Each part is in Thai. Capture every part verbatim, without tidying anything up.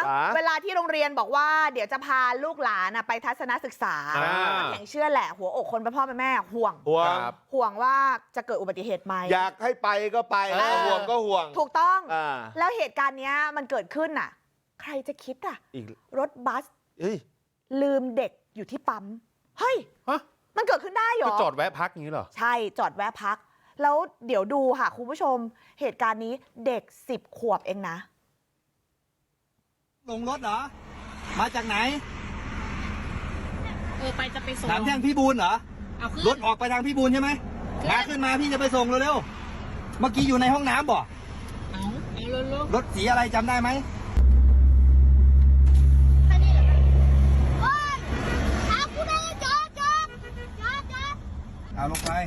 เวลาที่โรงเรียนบอกว่าเดี๋ยวจะพาลูกหลานไปทัศนศึกษาแข่งเชื่อแหละหัวอกคนเป็นพ่อเป็นแม่ห่วงห่วงห่วงว่าจะเกิดอุบัติเหตุไหมอยากให้ไปก็ไปห่วงก็ห่วงถูกต้องแล้วเหตุการณ์นี้มันเกิดขึ้นน่ะใครจะคิดอ่ะรถบัสลืมเด็กอยู่ที่ปั๊มเฮ้ยมันเกิดขึ้นได้เหรอจอดแวะพักอย่างนี้เหรอใช่จอดแวะพักแล้วเดี๋ยวดูค่ะคุณผู้ชมเหตุการณ์นี้เด็กสิบขวบเองนะลงรถเหรอมาจากไหนเออไปจะไปส่งสามแท่งพี่บูลเหรอเอาขึ้นรถออกไปทางพี่บูลใช่ไหมมาขึ้นมาพี่จะไปส่งเร็วๆเมื่อกี้อยู่ในห้องน้ำบ่เอาเอาเร็วๆรถสีอะไรจำได้ไหมเอาลงไป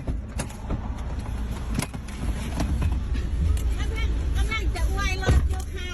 กำลังกำลังจะอวยรถอยู่ค่ะ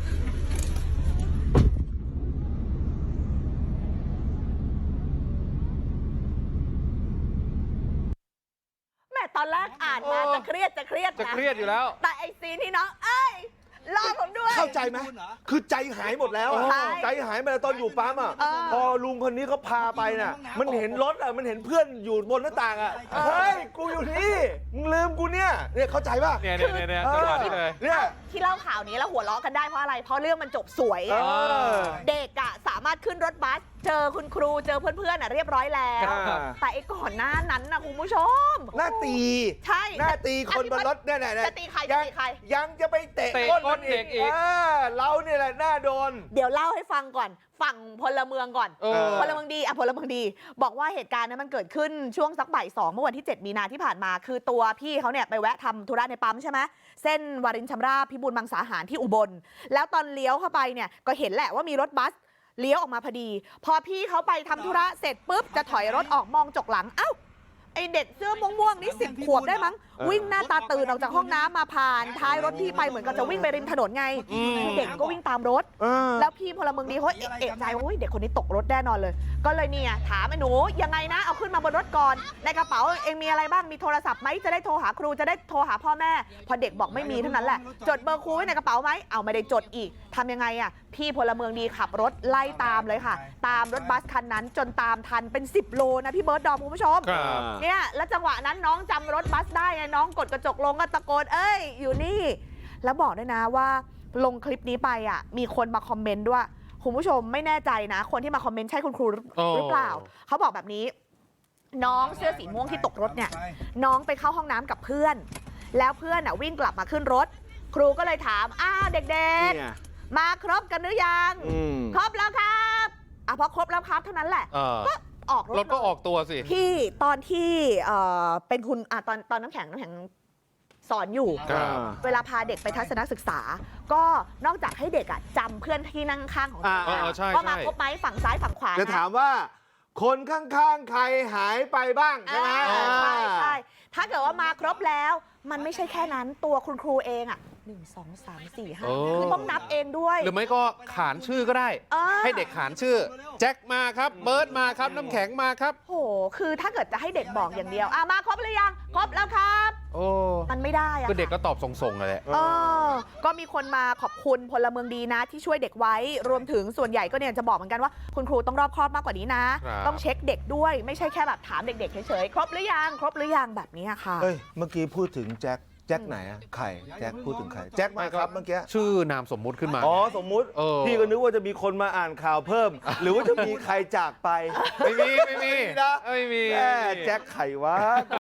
แม่ตอนแรกอ่านมาจะเครียดจะเครียดจะเครียดอยู่แล้วแต่ไอซีนที่น้องเอ้ยรอผมด้วยเข้าใจไหมคือใจหายหมดแล้วใจหายมาตอนอยู่ปั๊มอ่ะพอลุงคนนี้เขาพาไปน่ะมันเห็นรถอ่ะมันเห็นเพื่อนอยู่บนหน้าต่างอ่ะเฮ้ยกูอยู่นี่มึงลืมกูเนี่ยเนี่ยเข้าใจป่ะเนี่ยเนี่ยเนี่ยจังหวะนี้เลยเนี่ยที่เล่าข่าวนี้แล้วหัวเราะกันได้เพราะอะไรเพราะเรื่องมันจบสวยเด็กอ่ะสามารถขึ้นรถบัสเจอคุณครูเจอเพื่อนๆอ่ะเรียบร้อยแล้วแต่ไอ้ก่อนหน้านั้นนะคุณผู้ชมหน้าตีใช่หน้าตีคนบนรถเนี่ยเนี่ยจะตีใครจะตีใครยังจะไปเตะก้นเด็กอีกเราเนี่ยแหละหน้าโดนเดี๋ยวเล่าให้ฟังก่อนฝั่งพลเมืองก่อนพลเมืองดีอ่ะพลเมืองดีบอกว่าเหตุการณ์นั้นมันเกิดขึ้นช่วงสักบ่ายสองเมื่อวันที่เจ็ดมีนาที่ผ่านมาคือตัวพี่เขาเนี่ยไปแวะทำธุระในปั๊มใช่ไหมเส้นวารินชำราบพิบูลมังสาหารที่อุบลแล้วตอนเลี้ยวเข้าไปเนี่ยก็เห็นแหละว่ามีรถบัสเลี้ยวออกมาพอดีพอพี่เขาไปทำธุระเสร็จปุ๊บจะถอยรถออกมองจกหลังเอ้าไอเด็กเสื้อม่วงๆนี่สิบขวบได้มั้งวิ่งหน้าตาตื่นออกจากห้องน้ำมาผ่านท้ายรถพี่ไปเหมือนกับจะวิ่งไปริมถนนไงเด็กก็วิ่งตามรถแล้วพี่พลเมืองดีเขาเอะใจว่าเด็กคนนี้ตกรถแน่นอนเลยก็เลยเนี่ยถามไอ้หนูยังไงนะเอาขึ้นมาบนรถก่อนในกระเป๋าเองมีอะไรบ้างมีโทรศัพท์ไหมจะได้โทรหาครูจะได้โทรหาพ่อแม่พอเด็กบอกไม่มีเท่านั้นแหละจดเบอร์ครูไว้ในกระเป๋าไหมเอาไม่ได้จดอีกทำยังไงอ่ะพี่พลเมืองดีขับรถไล่ตามเลยค่ะตามรถบัสคันนั้นจนตามทันเป็นสิบโลนะพี่เบิร์ดดอมคุณผู้ชมเนี่ยแล้วจังหวะนั้นน้องจำรถบัสได้ไงน้องกดกระจกลงก็ตะโกนเอ้ยอยู่นี่แล้วบอกด้วยนะว่าลงคลิปนี้ไปอ่ะมีคนมาคอมเมนต์ด้วยคุณผู้ชมไม่แน่ใจนะคนที่มาคอมเมนต์ใช่คุณครูหรือเปล่าเขาบอกแบบนี้น้องเสื้อสีม่วงที่ตกรถเนี่ยน้องไปเข้าห้องน้ำกับเพื่อนแล้วเพื่อนอ่ะวิ่งกลับมาขึ้นรถครูก็เลยถามอ้าวเด็กๆมาครบกันหรือยังครบแล้วครับอ่ะพอครบแล้วครับเท่านั้นแหละก็ออกรถก็ออกตัวสิที่ตอนที่เป็นคุณอ่ะตอนตอนน้ำแข็งน้ำแข็งสอนอยู่เวลาพาเด็กไปทัศนศึกษาก็นอกจากให้เด็กอ่ะจำเพื่อนที่นั่งข้างของตัวว่ามาครบไหมฝั่งซ้ายฝั่งขวาจะถามว่าคนข้างๆใครหายไปบ้างใช่ไหมใช่ใช่ถ้าเกิดว่ามาครบแล้วมันไม่ใช่แค่นั้นตัวคุณครูเองอ่ะหนึ่งสองสามสี่ห้าคือต้องนับเองด้วยหรือไม่ก็ขานชื่อก็ได้ให้เด็กขานชื่อแจ็คมาครับเบิร์ดมาครับน้ำแข็งมาครับโหคือถ้าเกิดจะให้เด็กบอกอย่างเดียวอ่ะมาครบหรือยังครบแล้วครับโอ้มันไม่ได้อะก็เด็กก็ตอบส่งๆเลยแหละเออก็มีคนมาขอบคุณพลเมืองดีนะที่ช่วยเด็กไว้รวมถึงส่วนใหญ่ก็เนี่ยจะบอกเหมือนกันว่าคุณครูต้องรอบคอบมากกว่านี้นะต้องเช็คเด็กด้วยไม่ใช่แค่แบบถามเด็กๆเฉยๆครบหรือยังครบหรือยังแบบนี้ค่ะเฮ้ยเมื่อกี้พูดถึงแจ็คแจ็คไหนอะใครแจ็คพูดถึงใครแจ็คมาครับเมื่อกี้ชื่อนามสมมุติขึ้นมาอ๋อสมมุติพี่ก็นึกว่าจะมีคนมาอ่านข่าวเพิ่มหรือว่าจะมีใครจากไปไม่มีไม่มีนะไม่มีแจ็คใครวะ